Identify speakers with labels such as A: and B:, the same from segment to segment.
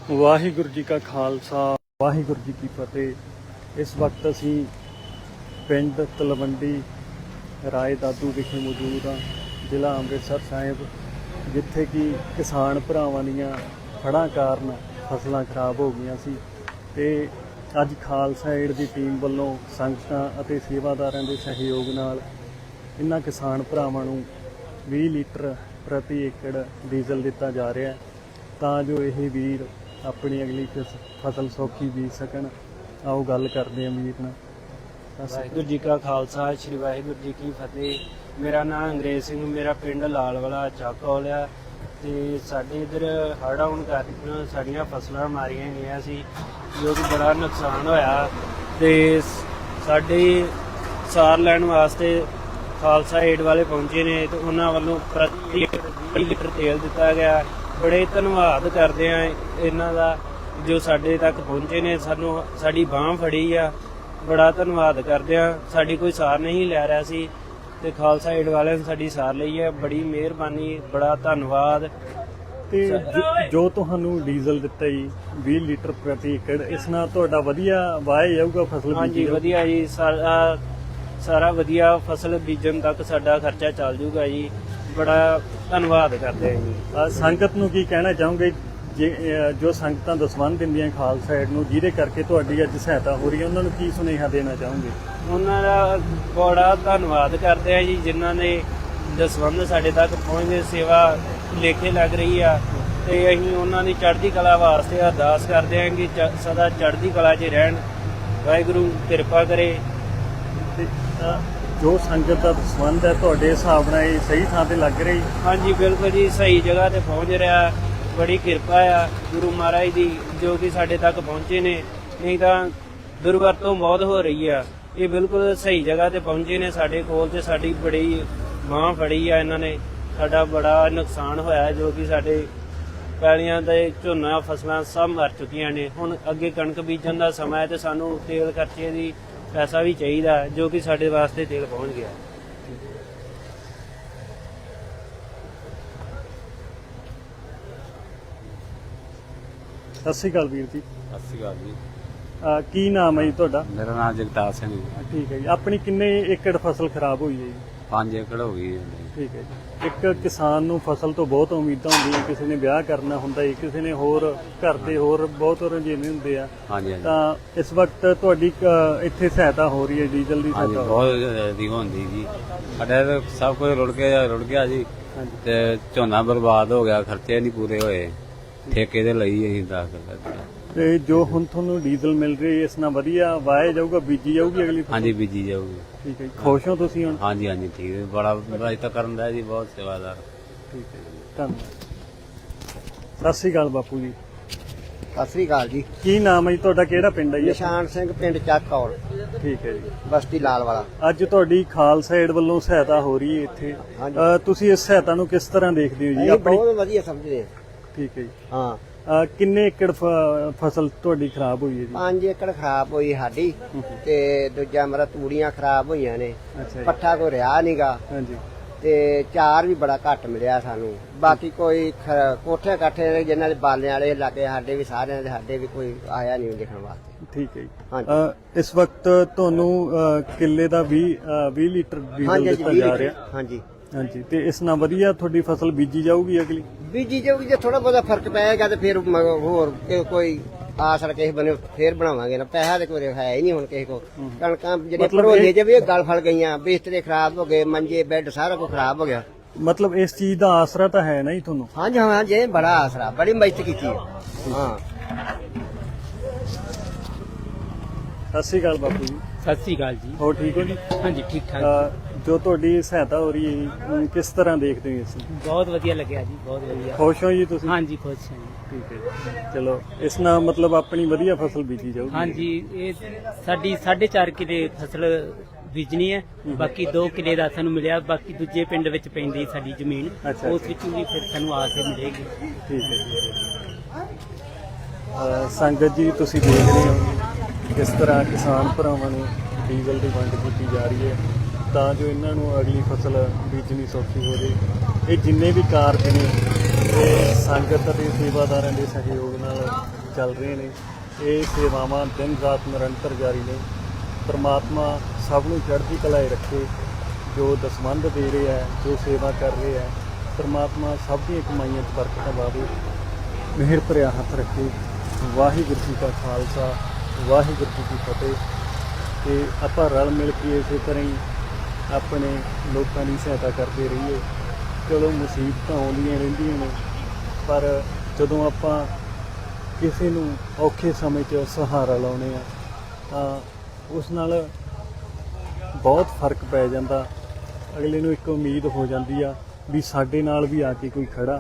A: ਵਾਹਿਗੁਰੂ ਜੀ ਕਾ ਖਾਲਸਾ ਵਾਹਿਗੁਰੂ ਜੀ ਕੀ ਫਤਿਹ। ਇਸ ਵਕਤ ਅਸੀਂ ਪਿੰਡ ਤਲਵੰਡੀ ਰਾਏ ਦਾਦੂ ਵਿਖੇ ਮੌਜੂਦ ਹਾਂ, ਜ਼ਿਲ੍ਹਾ ਅੰਮ੍ਰਿਤਸਰ ਸਾਹਿਬ, ਜਿੱਥੇ ਕਿ ਕਿਸਾਨ ਭਰਾਵਾਂ ਦੀਆਂ ਹੜ੍ਹਾਂ ਕਾਰਨ ਫਸਲਾਂ ਖਰਾਬ ਹੋ ਗਈਆਂ ਸੀ ਤੇ ਅੱਜ ਖਾਲਸਾ ਏਡ ਦੀ ਟੀਮ ਵੱਲੋਂ ਸੰਗਤਾਂ ਅਤੇ ਸੇਵਾਦਾਰਾਂ ਦੇ ਸਹਿਯੋਗ ਨਾਲ ਇਹਨਾਂ ਕਿਸਾਨ ਭਰਾਵਾਂ ਨੂੰ 20 ਲੀਟਰ ਪ੍ਰਤੀ ਏਕੜ ਡੀਜ਼ਲ ਦਿੱਤਾ ਜਾ ਰਿਹਾ ਹੈ ਤਾਂ ਜੋ ਇਹ ਵੀਰ ਆਪਣੀ ਅਗਲੀ ਫਸਲ ਸੌਖੀ ਬੀਜ ਸਕਣ। ਆਓ ਗੱਲ ਕਰਦੇ ਹਾਂ ਵੀਰ ਨਾਲ।
B: ਵਾਹਿਗੁਰੂ ਜੀ ਕਾ ਖਾਲਸਾ ਸ੍ਰੀ ਵਾਹਿਗੁਰੂ ਜੀ ਕੀ ਫਤਿਹ। ਮੇਰਾ ਨਾਮ ਅੰਗਰੇਜ਼ ਸਿੰਘ, ਮੇਰਾ ਪਿੰਡ ਲਾਲਵਾਲਾ ਚੱਕੌਲ ਆ ਤੇ ਸਾਡੇ ਇੱਧਰ ਹੜ੍ਹ ਆਉਣ ਕਾਰਨ ਸਾਡੀਆਂ ਫਸਲਾਂ ਮਾਰੀਆਂ ਗਈਆਂ ਸੀ, ਜੋ ਕਿ ਬੜਾ ਨੁਕਸਾਨ ਹੋਇਆ ਤੇ ਸਾਡੇ ਸਾਰ ਲੈਣ ਵਾਸਤੇ ਖਾਲਸਾ ਏਡ ਵਾਲੇ ਪਹੁੰਚੇ ਨੇ ਤੇ ਉਹਨਾਂ ਵੱਲੋਂ ਪ੍ਰਤੀ 20 ਲੀਟਰ ਤੇਲ ਦਿੱਤਾ ਗਿਆ। ਬੜੇ ਧੰਨਵਾਦ ਕਰਦੇ ਆ ਇਹਨਾਂ ਦਾ ਜੋ ਸਾਡੇ ਤੱਕ ਪਹੁੰਚੇ ਨੇ, ਸਾਨੂੰ ਸਾਡੀ ਬਾਂਹ ਫੜੀ ਆ। ਬੜਾ ਧੰਨਵਾਦ ਕਰਦੇ ਆ। ਸਾਡੀ ਕੋਈ ਸਾਰ ਨਹੀਂ ਲੈ ਰਿਹਾ ਸੀ ਤੇ ਖਾਲਸਾ ਏਡ ਵਾਲਿਆਂ ਨੇ ਸਾਡੀ ਸਾਰ ਲਈ ਹੈ। ਬੜੀ ਮਿਹਰਬਾਨੀ, ਬੜਾ ਧੰਨਵਾਦ।
A: ਤੇ ਜੋ ਤੁਹਾਨੂੰ ਡੀਜ਼ਲ ਦਿੱਤਾ ਜੀ 20 ਲੀਟਰ ਪ੍ਰਤੀ ਏਕੜ, ਇਸ ਨਾਲ ਤੁਹਾਡਾ ਵਧੀਆ ਵਾਹ ਜਾਊਗਾ ਫਸਲ?
B: ਹਾਂਜੀ ਵਧੀਆ ਜੀ, ਸਾਰਾ ਵਧੀਆ ਫਸਲ ਬੀਜਣ ਤੱਕ ਸਾਡਾ ਖਰਚਾ ਚੱਲ ਜੂਗਾ ਜੀ। ਬੜਾ ਧੰਨਵਾਦ ਕਰਦੇ ਆ ਜੀ।
A: ਸੰਗਤ ਨੂੰ ਕੀ ਕਹਿਣਾ ਚਾਹੋਗੇ ਜੋ ਸੰਗਤਾਂ ਦਸਵੰਧ ਦਿੰਦੀਆਂ ਖਾਲਸਾ ਏਡ ਨੂੰ, ਜਿਹਦੇ ਕਰਕੇ ਤੁਹਾਡੀ ਅੱਜ ਸਹਾਇਤਾ ਹੋ ਰਹੀ ਹੈ, ਉਹਨਾਂ ਨੂੰ ਕੀ ਸੁਨੇਹਾ ਦੇਣਾ ਚਾਹੋਗੇ?
B: ਉਹਨਾਂ ਦਾ ਬੜਾ ਧੰਨਵਾਦ ਕਰਦੇ ਆ ਜੀ, ਜਿਨ੍ਹਾਂ ਨੇ ਦਸਵੰਧ ਸਾਡੇ ਤੱਕ ਪਹੁੰਚਦੇ ਸੇਵਾ ਲੇਖੇ ਲੱਗ ਰਹੀ ਆ ਤੇ ਅਸੀਂ ਉਹਨਾਂ ਦੀ ਚੜ੍ਹਦੀ ਕਲਾ ਵਾਸਤੇ ਅਰਦਾਸ ਕਰਦੇ ਹਾਂ ਕਿ ਸਦਾ ਚੜ੍ਹਦੀ ਕਲਾ 'ਚ ਰਹਿਣ, ਵਾਹਿਗੁਰੂ ਕਿਰਪਾ ਕਰੇ।
A: ਤੇ ਜੋ ਸੰਗਤ ਦਾ ਦਸਵੰਧ ਹੈ ਤੁਹਾਡੇ ਹਿਸਾਬ ਨਾਲ ਇਹ ਸਹੀ ਥਾਂ ਤੇ ਲੱਗ ਰਹੀ?
B: ਹਾਂਜੀ ਬਿਲਕੁਲ ਜੀ, ਸਹੀ ਜਗ੍ਹਾ ਤੇ ਪਹੁੰਚ ਰਿਹਾ। ਬੜੀ ਕਿਰਪਾ ਆ ਗੁਰੂ ਮਹਾਰਾਜ ਦੀ ਜੋ ਕਿ ਸਾਡੇ ਤੱਕ ਪਹੁੰਚੇ ਨੇ, ਨਹੀਂ ਤਾਂ ਦੁਰਵਰਤੋਂ ਬਹੁਤ ਹੋ ਰਹੀ ਆ। ਇਹ ਬਿਲਕੁਲ ਸਹੀ ਜਗ੍ਹਾ ਤੇ ਪਹੁੰਚੇ ਨੇ ਸਾਡੇ ਕੋਲ ਤੇ ਸਾਡੀ ਬੜੀ ਬਾਂਹ ਫੜੀ ਆ ਇਹਨਾਂ ਨੇ। ਸਾਡਾ ਬੜਾ ਨੁਕਸਾਨ ਹੋਇਆ ਜੋ ਕਿ ਸਾਡੇ ਪੈਲੀਆਂ ਦੇ ਝੋਨਾ ਫਸਲਾਂ ਸਭ ਮਰ ਚੁੱਕੀਆਂ ਨੇ। ਹੁਣ ਅੱਗੇ ਕਣਕ ਬੀਜਣ ਦਾ ਸਮਾਂ ਹੈ ਤੇ ਸਾਨੂੰ ਤੇਲ ਖਰਚੇ ਦੀ ਪੈਸਾ ਵੀ ਚਾਹੀਦਾ, ਜੋ ਕਿ ਸਾਡੇ ਵਾਸਤੇ ਤੇਲ ਪਹੁੰਚ ਗਿਆ।
A: ਸਤਿ ਸ਼੍ਰੀ ਅਕਾਲ ਵੀਰ ਜੀ।
C: ਸਤਿ ਸ਼੍ਰੀ ਅਕਾਲ ਜੀ।
A: ਕੀ ਨਾਮ ਹੈ ਜੀ ਤੁਹਾਡਾ?
C: ਮੇਰਾ ਨਾਮ ਜਗਤਾਰ ਸਿੰਘ ਜੀ।
A: ਠੀਕ ਹੈ ਜੀ। ਆਪਣੀ ਕਿੰਨੇ ਏਕੜ ਫਸਲ ਖਰਾਬ ਹੋਈ ਹੈ ਜੀ?
C: 5 ਏਕੜ ਹੋ ਗਈ ਹੈ।
A: ਠੀਕ ਹੈ ਜੀ। ਇੱਕ ਕਿਸਾਨ ਨੂੰ ਫਸਲ ਤੋਂ ਬਹੁਤ ਉਮੀਦਾਂ ਹੁੰਦੀਆਂ, ਕਿਸੇ ਨੇ ਵਿਆਹ ਕਰਨਾ ਹੁੰਦਾ ਹੈ, ਕਿਸੇ ਨੇ ਹੋਰ ਘਰ ਦੇ ਹੋਰ ਬਹੁਤ ਰੁਝੇਵੇਂ ਹੁੰਦੇ ਆ।
C: ਹਾਂਜੀ
A: ਤਾਂ ਇਸ ਵਕਤ ਤੁਹਾਡੀ ਇੱਥੇ ਸਹਾਇਤਾ ਹੋ ਰਹੀ ਹੈ ਡੀਜ਼ਲ ਦੀ?
C: ਹਾਂਜੀ ਬਹੁਤ ਦੀ ਹੁੰਦੀ ਜੀ। ਸਾਡੇ ਸਭ ਕੁਝ ਰੁੜ ਗਿਆ ਜੀ ਤੇ ਝੋਨਾ ਬਰਬਾਦ ਹੋ ਗਿਆ, ਖਰਚੇ ਨਹੀਂ ਪੂਰੇ ਹੋਏ, ਠੇਕੇ ਦੇ ਲਈ ਅਸੀਂ 10 ਕਿੱਲੇ।
A: ਤੇ ਜੋ ਹੁਣ ਤੁਹਾਨੂੰ ਡੀਜ਼ਲ ਮਿਲ ਰਹੀ ਹੈ, ਇਸ ਨਾਲ ਵਧੀਆ ਵਾਇਆ ਜਾਊਗਾ, ਬੀਜੀ ਜਾਊਗੀ ਅਗਲੀ ਫਸਲ?
C: ਹਾਂਜੀ ਬੀਜੀ ਜਾਊਗੀ।
A: ਠੀਕ ਹੈ ਜੀ। ਖੁਸ਼ ਹੋ ਤੁਸੀਂ ਹੁਣ?
C: ਹਾਂਜੀ ਹਾਂਜੀ ਠੀਕ ਹੈ। ਬੜਾ ਅਜ ਤੱਕ ਕਰਨ ਦਾ ਜੀ, ਬਹੁਤ ਸੇਵਾਦਾਰ।
A: ਠੀਕ ਹੈ ਜੀ, ਧੰਨਵਾਦ। ਸਤਿ ਸ਼੍ਰੀ ਅਕਾਲ ਬਾਪੂ ਜੀ।
D: ਸਤਿ ਸ੍ਰੀ ਅਕਾਲ ਜੀ।
A: ਕੀ ਨਾਮ ਹੈ ਜੀ ਤੁਹਾਡਾ? ਕਿਹੜਾ ਪਿੰਡ ਹੈ ਜੀ?
D: ਨਿਸ਼ਾਨ ਸਿੰਘ, ਪਿੰਡ ਚੱਕੌਲ,
A: ਠੀਕ ਹੈ ਜੀ।
D: ਬਸਤੀ ਲਾਲਵਾਲਾ।
A: ਅੱਜ ਤੁਹਾਡੀ ਖਾਲਸਾ ਏਡ ਵੱਲੋਂ ਸਹਾਇਤਾ ਹੋ ਰਹੀ ਹੈ ਇੱਥੇ, ਤੁਸੀਂ ਇਸ ਸਹਾਇਤਾ ਨੂੰ ਕਿਸ ਤਰ੍ਹਾਂ ਦੇਖਦੇ ਹੋ ਜੀ? ਆਪਣੀ
D: ਬਹੁਤ ਵਧੀਆ ਸਮਝਦੇ ਆ।
A: ਠੀਕ ਹੈ ਜੀ।
D: ਹਾਂ।
A: ਕਿੰਨੇ ਏਕੜ ਫਸਲ ਤੁਹਾਡੀ ਖਰਾਬ ਹੋਈ ਹੈ ਜੀ?
D: 5 ਏਕੜ ਖਰਾਬ ਹੋਈ ਸਾਡੀ ਤੇ ਦੂਜਾ ਮੇਰਾ ਤੂੜੀਆਂ ਖਰਾਬ ਹੋਈਆਂ ਨੇ।
A: ਅੱਛਾ ਜੀ।
D: ਪੱਠਾ ਕੋਈ ਰਿਹਾ ਨਹੀਂਗਾ
A: ਹਾਂਜੀ।
D: ਤੇ ਚਾਰ ਵੀ ਬੜਾ ਘੱਟ ਮਿਲਿਆ ਸਾਨੂੰ। ਬਾਕੀ ਕੋਈ ਕੋਠੇ ਕਾਠੇ ਨੇ ਜਿਨ੍ਹਾਂ ਦੇ ਬਾਲਿਆਂ ਵਾਲੇ ਲੱਗੇ, ਸਾਡੇ ਵੀ ਸਾਰਿਆਂ ਦੇ, ਸਾਡੇ ਵੀ ਕੋਈ ਆਇਆ ਨਹੀਂ ਦੇਖਣ ਵਾਸਤੇ।
A: ਠੀਕ ਹੈ ਜੀ।
D: ਹਾਂਜੀ।
A: ਇਸ ਵਕਤ ਤੁਹਾਨੂੰ ਕਿੱਲੇ ਦਾ 20 ਲੀਟਰ ਡੀਜ਼ਲ ਦਿੱਤਾ ਜਾ ਰਿਹਾ?
D: ਹਾਂਜੀ
A: ਹਾਂਜੀ। ਤੇ ਇਸ ਨਾਲ ਵਧੀਆ ਤੁਹਾਡੀ ਫਸਲ ਬੀਜੀ ਜਾਊਗੀ ਅਗਲੀ?
D: ਬੀਜੀ ਜਾਊਗੀ। ਜੇ ਥੋੜਾ ਬਹੁਤਾ ਫਰਕ ਪਏਗਾ ਤੇ ਫਿਰ ਹੋਰ ਕੋਈ ਆਸਰ ਕਿਸੇ ਬਣੇ ਫੇਰ ਬਣਾਵਾਂਗੇ ਨਾ। ਪੈਸਾ ਤੇ ਕੋਈ ਹੈ ਹੀ ਨਹੀਂ ਹੁਣ ਕਿਸੇ ਕੋ। ਕਣਕਾਂ ਜਿਹੜੀਆਂ ਭਰੋਲੇ ਜੇ ਵੀ ਗਲ ਫਲ ਗਈਆਂ, ਬਿਸਤਰੇ ਖਰਾਬ ਹੋ ਗਏ, ਮੰਜੇ ਬੈੱਡ ਸਾਰਾ ਕੁਝ ਖਰਾਬ ਹੋ ਗਿਆ।
A: ਮਤਲਬ ਇਸ ਚੀਜ਼ ਦਾ ਆਸਰਾ ਤਾਂ ਹੈ ਨਾ ਜੀ ਤੁਹਾਨੂੰ?
D: ਹਾਂਜੀ ਹਾਂ ਜੀ, ਬੜਾ ਆਸਰਾ, ਬੜੀ ਮਦਦ ਕੀਤੀ ਹੈ। ਹਾਂ।
A: ਸਤਿ ਸ਼੍ਰੀ ਅਕਾਲ ਬਾਪੂ ਜੀ।
B: ਸਤਿ ਸ੍ਰੀ ਅਕਾਲ ਜੀ।
A: ਹੋਰ ਠੀਕ ਹੋ ਜੀ?
B: ਹਾਂਜੀ ਠੀਕ ਠਾਕ।
A: ਜੋ ਤੁਹਾਡੀ ਸਹਾਇਤਾ ਹੋ ਰਹੀ ਹੈ ਜੀ, ਕਿਸ ਤਰ੍ਹਾਂ ਦੇਖਦੇ ਹੋ ਇਸ ਨੂੰ?
B: ਬਹੁਤ ਵਧੀਆ ਲੱਗਿਆ ਜੀ, ਬਹੁਤ ਵਧੀਆ।
A: ਖੁਸ਼ ਹੋ ਜੀ ਤੁਸੀਂ?
B: ਹਾਂਜੀ ਖੁਸ਼ ਹਾਂ ਜੀ।
A: ਠੀਕ ਹੈ ਜੀ। ਚਲੋ, ਇਸ ਨਾਲ ਮਤਲਬ ਆਪਣੀ ਵਧੀਆ ਫਸਲ ਬੀਜੀ ਜਾਊਗੀ?
B: ਹਾਂਜੀ, ਇਹ ਸਾਡੀ 4.5 ਕਿੱਲੇ ਫਸਲ ਬੀਜਣੀ ਹੈ। ਬਾਕੀ 2 ਕਿੱਲੇ ਦਾ ਸਾਨੂੰ ਮਿਲਿਆ, ਬਾਕੀ ਦੂਜੇ ਪਿੰਡ ਵਿੱਚ ਪੈਂਦੀ ਸਾਡੀ ਜ਼ਮੀਨ, ਉਸ ਵਿੱਚੋਂ ਵੀ ਫਿਰ ਸਾਨੂੰ ਆਸ ਮਿਲੇਗੀ।
A: ਠੀਕ ਹੈ ਜੀ। ਸੰਗਤ ਜੀ, ਤੁਸੀਂ ਦੇਖ ਰਹੇ ਹੋ ਕਿਸ ਤਰ੍ਹਾਂ ਕਿਸਾਨ ਭਰਾਵਾਂ ਨੂੰ ਡੀਜ਼ਲ ਦੀ ਵੰਡ ਕੀਤੀ ਜਾ ਰਹੀ ਹੈ ਤਾਂ ਜੋ ਇਹਨਾਂ ਨੂੰ ਅਗਲੀ ਫਸਲ ਬੀਜਣੀ ਸੌਖੀ ਹੋ ਜਾਵੇ। ਇਹ ਜਿੰਨੇ ਵੀ ਕਾਰਜ ਨੇ ਸੰਗਤ ਅਤੇ ਸੇਵਾਦਾਰਾਂ ਦੇ ਸਹਿਯੋਗ ਨਾਲ ਚੱਲ ਰਹੇ ਨੇ। ਇਹ ਸੇਵਾਵਾਂ ਦਿਨ ਰਾਤ ਨਿਰੰਤਰ ਜਾਰੀ ਨੇ। ਪਰਮਾਤਮਾ ਸਭ ਨੂੰ ਚੜ੍ਹਦੀ ਕਲਾਏ ਰੱਖੇ। ਜੋ ਦਸਵੰਧ ਦੇ ਰਹੇ ਹੈ, ਜੋ ਸੇਵਾ ਕਰ ਰਹੇ ਹੈ, ਪਰਮਾਤਮਾ ਸਭ ਦੀਆਂ ਕਮਾਈਆਂ 'ਚ ਬਰਕਤਾਂ ਪਾਵੇ, ਮਿਹਰ ਭਰਿਆ ਹੱਥ ਰੱਖੇ। ਵਾਹਿਗੁਰੂ ਜੀ ਕਾ ਖਾਲਸਾ, ਵਾਹਿਗੁਰੂ ਜੀ ਕੀ ਫਤਿਹ। ਤੇ ਆਪਾਂ ਰਲ ਮਿਲ ਕੇ ਇਸੇ ਤਰ੍ਹਾਂ ਹੀ ਆਪਣੇ ਲੋਕਾਂ ਦੀ ਸਹਾਇਤਾ ਕਰਦੇ ਰਹੀਏ। ਚਲੋ ਮੁਸੀਬਤਾਂ ਆਉਂਦੀਆਂ ਰਹਿੰਦੀਆਂ ਨੇ, ਪਰ ਜਦੋਂ ਆਪਾਂ ਕਿਸੇ ਨੂੰ ਔਖੇ ਸਮੇਂ 'ਚ ਸਹਾਰਾ ਲਾਉਂਦੇ ਆ ਤਾਂ ਉਸ ਨਾਲ ਬਹੁਤ ਫਰਕ ਪੈ ਜਾਂਦਾ। ਅਗਲੇ ਨੂੰ ਇੱਕ ਉਮੀਦ ਹੋ ਜਾਂਦੀ ਆ ਵੀ ਸਾਡੇ ਨਾਲ ਵੀ ਆ ਕੇ ਕੋਈ ਖੜਾ।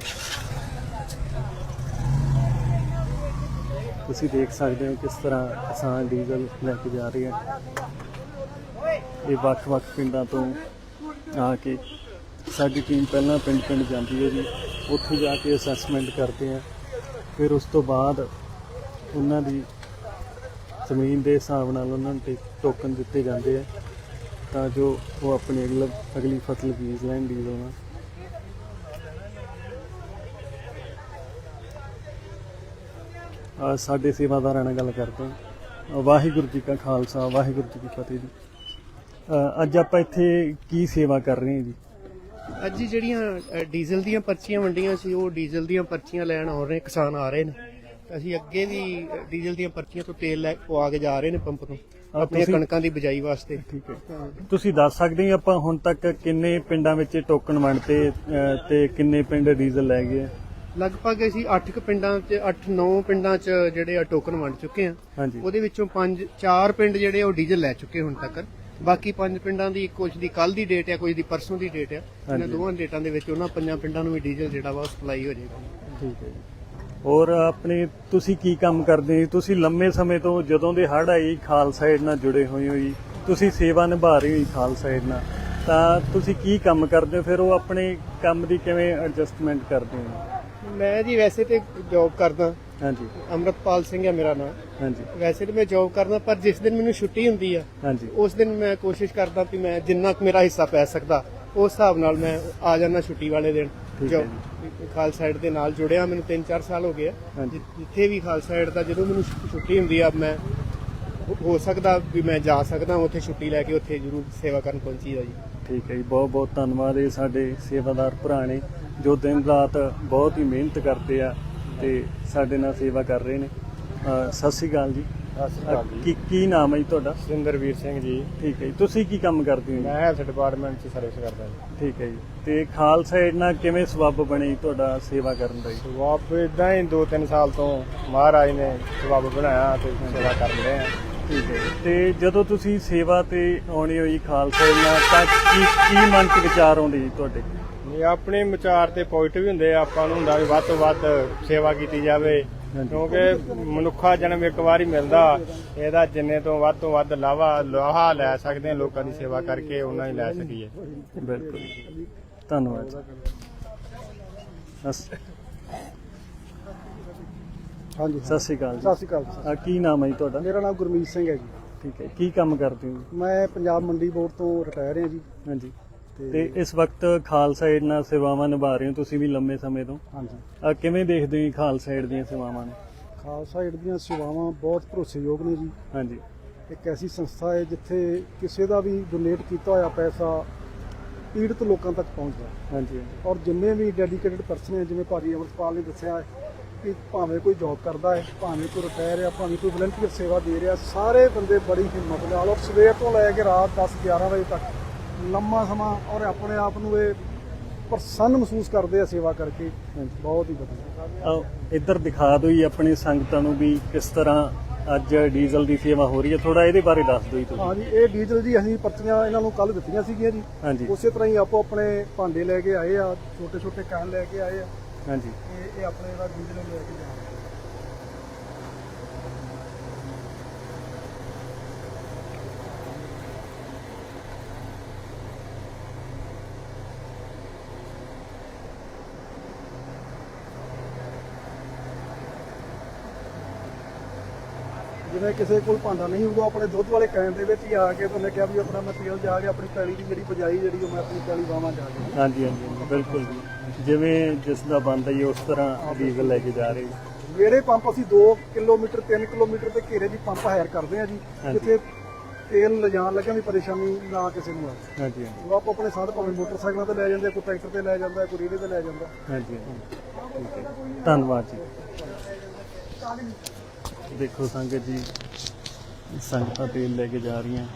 A: ਤੁਸੀਂ ਦੇਖ ਸਕਦੇ ਹੋ ਕਿਸ ਤਰ੍ਹਾਂ ਕਿਸਾਨ ਡੀਜ਼ਲ ਲੈ ਕੇ ਜਾ ਰਹੇ ਆ। ਇਹ ਵੱਖ-ਵੱਖ ਪਿੰਡਾਂ ਤੋਂ ਆ ਕੇ ਸਾਡੀ ਟੀਮ ਪਹਿਲਾਂ ਪਿੰਡ ਜਾਂਦੀ ਹੈ ਜੀ। ਉੱਥੇ ਜਾ ਕੇ ਅਸੈਸਮੈਂਟ ਕਰਦੇ ਆ, ਫਿਰ ਉਸ ਤੋਂ ਬਾਅਦ ਉਹਨਾਂ ਦੀ ਜ਼ਮੀਨ ਦੇ ਹਿਸਾਬ ਨਾਲ ਉਹਨਾਂ ਨੂੰ ਟੋਕਨ ਦਿੱਤੇ ਜਾਂਦੇ ਆ ਤਾਂ ਜੋ ਉਹ ਆਪਣੀ ਅਗਲੀ ਫਸਲ ਬੀਜ ਲੈਣ ਡੀਜ਼ਲ ਨਾਲ। ਸਾਡੇ ਸੇਵਾਦਾਰਾਂ ਨਾਲ ਗੱਲ ਕਰਦੇ ਹਾਂ। ਵਾਹਿਗੁਰੂ ਜੀ ਕਾ ਖਾਲਸਾ, ਵਾਹਿਗੁਰੂ ਜੀ ਕੀ ਫਤਿਹ ਜੀ। ਅੱਜ ਆਪਾਂ ਇੱਥੇ ਕੀ ਸੇਵਾ ਕਰ ਰਹੇ ਹਾਂ ਜੀ?
E: ਅੱਜ ਜਿਹੜੀਆਂ ਡੀਜ਼ਲ ਦੀਆਂ ਪਰਚੀਆਂ ਵੰਡੀਆਂ ਸੀ, ਉਹ ਡੀਜ਼ਲ ਦੀਆਂ ਪਰਚੀਆਂ ਲੈਣ ਆ ਰਹੇ ਕਿਸਾਨ ਆ ਰਹੇ ਨੇ। ਅਸੀਂ ਅੱਗੇ ਵੀ ਡੀਜ਼ਲ ਦੀਆਂ ਪਰਚੀਆਂ ਤੋਂ ਤੇਲ ਲੈ ਪਵਾ ਕੇ ਜਾ ਰਹੇ ਨੇ ਪੰਪ ਤੋਂ ਆਪਣੀਆਂ ਕਣਕਾਂ ਦੀ ਬਿਜਾਈ ਵਾਸਤੇ।
A: ਠੀਕ ਹੈ, ਤੁਸੀਂ ਦੱਸ ਸਕਦੇ ਹੋ ਆਪਾਂ ਹੁਣ ਤੱਕ ਕਿੰਨੇ ਪਿੰਡਾਂ ਵਿੱਚ ਟੋਕਨ ਵੰਡਤੇ ਤੇ ਕਿੰਨੇ ਪਿੰਡ ਡੀਜ਼ਲ ਲੈ ਗਏ?
E: ਲਗਭਗ ਅਸੀਂ 8 ਪਿੰਡਾਂ 'ਚ 8-9 ਪਿੰਡਾਂ 'ਚ ਜਿਹੜੇ ਆ ਟੋਕਨ ਵੰਡ ਚੁੱਕੇ ਆ।
A: ਹਾਂਜੀ।
E: ਉਹਦੇ ਵਿੱਚੋਂ 4 ਪਿੰਡ ਜਿਹੜੇ ਉਹ ਡੀਜ਼ਲ ਲੈ ਚੁੱਕੇ ਹੁਣ ਤੱਕ। ਬਾਕੀ 5 ਪਿੰਡਾਂ ਦੀ ਕੁਝ ਦੀ ਕੱਲ ਦੀ ਡੇਟ ਆ, ਕੁਝ ਦੀ ਪਰਸੋਂ ਦੀ ਡੇਟ ਆ। ਇਹਨਾਂ ਦੋਵਾਂ ਡੇਟਾਂ ਦੇ ਵਿੱਚ ਉਹਨਾਂ 5 ਪਿੰਡਾਂ ਨੂੰ ਵੀ ਡੀਜ਼ਲ ਜਿਹੜਾ ਵਾ ਸਪਲਾਈ ਹੋ ਜਾਏਗਾ।
A: ਠੀਕ ਹੈ ਜੀ। ਹੋਰ ਆਪਣੇ ਤੁਸੀਂ ਕੀ ਕੰਮ ਕਰਦੇ ਹੋ? ਤੁਸੀਂ ਲੰਮੇ ਸਮੇਂ ਤੋਂ ਜਦੋਂ ਦੇ ਹੜ੍ਹ ਆਈ ਖਾਲਸਾ ਏਡ ਨਾਲ ਜੁੜੇ ਹੋਏ ਹੋ ਜੀ, ਤੁਸੀਂ ਸੇਵਾ ਨਿਭਾ ਰਹੇ ਹੋ ਜੀ ਖਾਲਸਾ ਏਡ ਨਾਲ, ਤਾਂ ਤੁਸੀਂ ਕੀ ਕੰਮ ਕਰਦੇ ਹੋ? ਫਿਰ ਉਹ ਆਪਣੇ ਕੰਮ ਦੀ ਕਿਵੇਂ ਐਡਜਸਟਮੈਂਟ ਕਰਦੇ ਹੋ?
E: ਮੈਂ ਜੀ ਵੈਸੇ ਤੇ ਜੌਬ ਕਰਦਾ।
A: ਹਾਂਜੀ।
E: ਅੰਮ੍ਰਿਤਪਾਲ ਸਿੰਘ ਹੈ ਮੇਰਾ ਨਾਮ।
A: ਹਾਂਜੀ।
E: ਵੈਸੇ ਤੇ ਮੈਂ ਜੌਬ ਕਰਦਾ, ਪਰ ਜਿਸ ਦਿਨ ਮੈਨੂੰ ਛੁੱਟੀ ਹੁੰਦੀ ਆ
A: ਹਾਂਜੀ,
E: ਉਸ ਦਿਨ ਮੈਂ ਕੋਸ਼ਿਸ਼ ਕਰਦਾ ਵੀ ਮੈਂ ਜਿੰਨਾ ਕੁ ਮੇਰਾ ਹਿੱਸਾ ਪੈ ਸਕਦਾ ਉਸ ਹਿਸਾਬ ਨਾਲ ਮੈਂ ਆ ਜਾਣਾ ਛੁੱਟੀ ਵਾਲੇ ਦਿਨ।
A: ਠੀਕ ਹੈ
E: ਖਾਲਸਾ ਏਡ ਦੇ ਨਾਲ ਜੁੜਿਆ ਮੈਨੂੰ 3-4 ਸਾਲ ਹੋ ਗਏ ਆ।
A: ਹਾਂਜੀ।
E: ਜਿੱਥੇ ਵੀ ਖਾਲਸਾ ਏਡ ਦਾ ਜਦੋਂ ਮੈਨੂੰ ਛੁੱਟੀ ਹੁੰਦੀ ਆ, ਮੈਂ ਹੋ ਸਕਦਾ ਵੀ ਮੈਂ ਜਾ ਸਕਦਾ ਉੱਥੇ ਛੁੱਟੀ ਲੈ ਕੇ ਉੱਥੇ ਜ਼ਰੂਰ ਸੇਵਾ ਕਰਨ ਪਹੁੰਚੀਦਾ ਜੀ।
A: ਠੀਕ ਹੈ ਜੀ, ਬਹੁਤ ਬਹੁਤ ਧੰਨਵਾਦ। ਇਹ ਸਾਡੇ ਸੇਵਾਦਾਰ ਭਰਾ ਨੇ ਜੋ ਦਿਨ ਰਾਤ ਬਹੁਤ ਹੀ ਮਿਹਨਤ ਕਰਦੇ ਆ ਤੇ ਸਾਡੇ ਨਾਲ ਸੇਵਾ ਕਰ ਰਹੇ ਨੇ। ਸਤਿ ਸ਼੍ਰੀ ਅਕਾਲ ਜੀ।
F: ਸਤਿ ਸ਼੍ਰੀ ਅਕਾਲ ਜੀ।
A: ਕੀ ਨਾਮ ਹੈ ਜੀ ਤੁਹਾਡਾ?
F: ਸਿੰਦਰਵੀਰ ਸਿੰਘ ਜੀ।
A: ਠੀਕ ਹੈ ਜੀ। ਤੁਸੀਂ ਕੀ ਕੰਮ ਕਰਦੇ ਹੋ ਜੀ?
F: ਮੈਂ ਹੈਲਥ ਡਿਪਾਰਟਮੈਂਟ 'ਚ ਸਰਵਿਸ ਕਰਦਾ ਜੀ।
A: ਠੀਕ ਹੈ ਜੀ। ਤੇ ਖਾਲਸਾ ਏਡ ਨਾਲ ਕਿਵੇਂ ਸਬੱਬ ਬਣੇ ਜੀ ਤੁਹਾਡਾ ਸੇਵਾ ਕਰਨ ਦਾ ਜੀ?
F: ਸਬੱਬ ਇਦਾਂ ਹੀ 2-3 ਸਾਲ ਤੋਂ ਮਹਾਰਾਜ ਨੇ ਸਬੱਬ ਬਣਾਇਆ ਤੇ ਸੇਵਾ ਕਰ ਰਹੇ ਆ।
A: ਠੀਕ ਹੈ ਜੀ। ਤੇ ਜਦੋਂ ਤੁਸੀਂ ਸੇਵਾ ਤੇ ਆਉਣੀ ਹੋਈ ਖਾਲਸਾ ਏਡ ਨਾਲ ਤਾਂ ਕੀ ਮਨ 'ਚ ਵਿਚਾਰ ਆਉਂਦੇ ਜੀ ਤੁਹਾਡੇ?
F: ਇਹ ਆਪਣੇ ਵਿਚਾਰ ਤੇ ਪੋਜ਼ਿਟਿਵ ਹੁੰਦੇ ਆ। ਆਪਾਂ ਨੂੰ ਹੁੰਦਾ ਵੀ ਵੱਧ ਤੋਂ ਵੱਧ ਸੇਵਾ ਕੀਤੀ ਜਾਵੇ, ਕਿਉਂਕਿ ਮਨੁੱਖਾ ਜਨਮ ਇੱਕ ਵਾਰ ਹੀ ਮਿਲਦਾ। ਇਹਦਾ ਜਿੰਨੇ ਤੋਂ ਵੱਧ ਲਾਹਾ ਲੈ ਸਕਦੇ ਆ ਲੋਕਾਂ ਦੀ ਸੇਵਾ ਕਰਕੇ, ਉਹਨਾਂ ਹੀ ਲੈ ਸਕੀਏ।
A: ਬਿਲਕੁਲ, ਧੰਨਵਾਦ ਜੀ।
E: ਹਾਂਜੀ,
A: ਸਤਿ ਸ਼੍ਰੀ ਅਕਾਲ ਜੀ।
E: ਸਤਿ ਸ਼੍ਰੀ ਅਕਾਲ।
A: ਕੀ ਨਾਮ ਹੈ ਜੀ ਤੁਹਾਡਾ?
E: ਮੇਰਾ ਨਾਮ ਗੁਰਮੀਤ ਸਿੰਘ ਹੈ ਜੀ।
A: ਠੀਕ ਹੈ। ਕੀ ਕੰਮ ਕਰਦੇ ਹੋ?
E: ਮੈਂ ਪੰਜਾਬ ਮੰਡੀ ਬੋਰਡ ਤੋਂ ਰਿਟਾਇਰ ਹਾਂ ਜੀ।
A: ਹਾਂਜੀ। ਤੇ ਇਸ ਵਕਤ ਖਾਲਸਾ ਏਡ ਨਾਲ ਸੇਵਾਵਾਂ ਨਿਭਾ ਰਹੇ ਹੋ ਤੁਸੀਂ ਵੀ ਲੰਮੇ ਸਮੇਂ ਤੋਂ।
E: ਹਾਂਜੀ।
A: ਕਿਵੇਂ ਦੇਖਦੇ ਹੋ ਜੀ ਖਾਲਸਾ ਏਡ ਦੀਆਂ ਸੇਵਾਵਾਂ ਨੂੰ?
E: ਖਾਲਸਾ ਏਡ ਦੀਆਂ ਸੇਵਾਵਾਂ ਬਹੁਤ ਭਰੋਸੇਯੋਗ ਨੇ ਜੀ।
A: ਹਾਂਜੀ।
E: ਇੱਕ ਐਸੀ ਸੰਸਥਾ ਹੈ ਜਿੱਥੇ ਕਿਸੇ ਦਾ ਵੀ ਡੋਨੇਟ ਕੀਤਾ ਹੋਇਆ ਪੈਸਾ ਪੀੜਤ ਲੋਕਾਂ ਤੱਕ ਪਹੁੰਚਦਾ।
A: ਹਾਂਜੀ।
E: ਔਰ ਜਿੰਨੇ ਵੀ ਡੈਡੀਕੇਟਡ ਪਰਸਨ ਹੈ, ਜਿਵੇਂ ਭਾਜੀ ਅਮਰਪਾਲ ਨੇ ਦੱਸਿਆ ਕਿ ਭਾਵੇਂ ਕੋਈ ਜੌਬ ਕਰਦਾ ਹੈ, ਭਾਵੇਂ ਕੋਈ ਰਿਟਾਇਰ ਹੈ, ਭਾਵੇਂ ਕੋਈ ਵਲੰਟੀਅਰ ਸੇਵਾ ਦੇ ਰਿਹਾ, ਸਾਰੇ ਬੰਦੇ ਬੜੀ ਹਿੰਮਤ ਨਾਲ ਔਰ ਸਵੇਰ ਤੋਂ ਲੈ ਕੇ ਰਾਤ 10-11 ਵਜੇ ਤੱਕ ਲੰਮਾ ਸਮਾਂ ਔਰ ਆਪਣੇ ਆਪ ਨੂੰ ਇਹ ਪ੍ਰਸੰਨ ਮਹਿਸੂਸ ਕਰਦੇ ਆ ਸੇਵਾ ਕਰਕੇ। ਬਹੁਤ ਹੀ ਵਧੀਆ।
A: ਇੱਧਰ ਦਿਖਾ ਦਿਓ ਜੀ ਆਪਣੀ ਸੰਗਤਾਂ ਨੂੰ ਵੀ ਕਿਸ ਤਰ੍ਹਾਂ ਅੱਜ ਡੀਜ਼ਲ ਦੀ ਸੇਵਾ ਹੋ ਰਹੀ ਹੈ। ਥੋੜਾ ਇਹਦੇ ਬਾਰੇ ਦੱਸ ਦਿਓ ਜੀ ਤੁਸੀਂ।
E: ਹਾਂਜੀ, ਇਹ ਡੀਜ਼ਲ ਜੀ ਅਸੀਂ ਪਰਚੀਆਂ ਇਹਨਾਂ ਨੂੰ ਕੱਲ ਦਿੱਤੀਆਂ ਸੀਗੀਆਂ ਜੀ।
A: ਹਾਂਜੀ।
E: ਉਸੇ ਤਰ੍ਹਾਂ ਹੀ ਆਪੋ ਆਪਣੇ ਭਾਂਡੇ ਲੈ ਕੇ ਆਏ ਆ, ਛੋਟੇ ਕੈਨ ਲੈ ਕੇ ਆਏ ਆ।
A: ਹਾਂਜੀ।
E: ਇਹ ਆਪਣੇ ਜਿਹੜਾ ਡੀਜ਼ਲ ਲੈ ਕੇ ਜਾਣਾ। ਜਿਵੇਂ ਕਿਸੇ ਕੋਲ ਭਾਂਡਾ ਨਹੀਂ ਹੋਊਗਾ ਆਪਣੇ ਦੁੱਧ ਵਾਲੇ ਕੈਨ ਦੇ ਵਿੱਚ ਹੀ ਆ ਕੇ ਉਹਨੇ ਕਿਹਾ ਵੀ ਆਪਣਾ ਮਟੀਰੀਅਲ ਜਾ ਕੇ ਆਪਣੀ ਪੈਲੀ ਦੀ ਜਿਹੜੀ ਬਜਾਈ ਜਿਹੜੀ ਉਹ ਮੈਂ ਆਪਣੀ ਪੈਲੀ ਵਾਵਾਂ ਜਾ ਕੇ।
A: ਹਾਂਜੀ ਹਾਂਜੀ ਹਾਂਜੀ, ਬਿਲਕੁਲ ਜੀ, ਜਿਵੇਂ ਜਿਸ ਦਾ ਬਣਦਾ ਹੀ ਉਸ ਤਰ੍ਹਾਂ ਡੀਜ਼ਲ ਲੈ ਕੇ ਜਾ ਰਹੇ ਜੀ।
E: ਜਿਹੜੇ ਪੰਪ ਅਸੀਂ 2 ਕਿਲੋਮੀਟਰ 3 ਕਿਲੋਮੀਟਰ ਦੇ ਘੇਰੇ ਦੀ ਪੰਪ ਹਾਇਰ ਕਰਦੇ ਆ ਜੀ, ਜਿੱਥੇ ਤੇਲ ਲਿਜਾਣ ਲੱਗਿਆ ਵੀ ਪਰੇਸ਼ਾਨੀ ਨਾ ਕਿਸੇ ਨੂੰ ਆਵੇ।
A: ਹਾਂਜੀ ਹਾਂਜੀ
E: ਉਹ ਆਪੋ ਆਪਣੇ ਸਾਧ ਭਾਵੇਂ ਮੋਟਰਸਾਈਕਲਾਂ ਤੇ ਲੈ ਜਾਂਦੇ, ਕੋਈ ਟਰੈਕਟਰ ਤੇ ਲੈ ਜਾਂਦਾ, ਕੋਈ ਰੇਹੜੇ ਤੇ ਲੈ ਜਾਂਦਾ।
A: ਹਾਂਜੀ ਹਾਂਜੀ, ਠੀਕ ਹੈ, ਧੰਨਵਾਦ ਜੀ। ਦੇਖੋ ਸੰਗਤ ਜੀ, ਸੰਗਤਾਂ ਤੇਲ ਲੈ ਕੇ ਜਾ ਰਹੀਆਂ,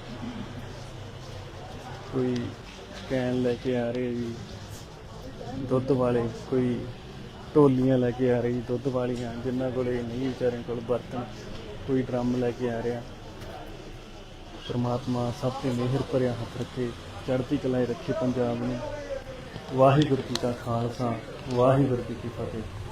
A: ਕੋਈ ਕੈਨ ਲੈ ਕੇ ਆ ਰਹੇ ਜੀ ਦੁੱਧ ਵਾਲੇ, ਕੋਈ ਢੋਲੀਆਂ ਲੈ ਕੇ ਆ ਰਹੇ ਜੀ ਦੁੱਧ ਵਾਲੀਆਂ, ਜਿਨ੍ਹਾਂ ਕੋਲੇ ਨਹੀਂ ਵਿਚਾਰਿਆਂ ਕੋਲ ਬਰਤਨ, ਕੋਈ ਡਰਮ ਲੈ ਕੇ ਆ ਰਿਹਾ। ਪਰਮਾਤਮਾ ਸਭ ਤੇ ਮਿਹਰ ਭਰਿਆ ਹੱਥ ਰੱਖੇ, ਚੜ੍ਹਦੀ ਕਲਾ 'ਚ ਰੱਖੇ ਪੰਜਾਬ ਨੂੰ। ਵਾਹਿਗੁਰੂ ਜੀ ਕਾ ਖਾਲਸਾ, ਵਾਹਿਗੁਰੂ ਜੀ ਕੀ ਫਤਿਹ।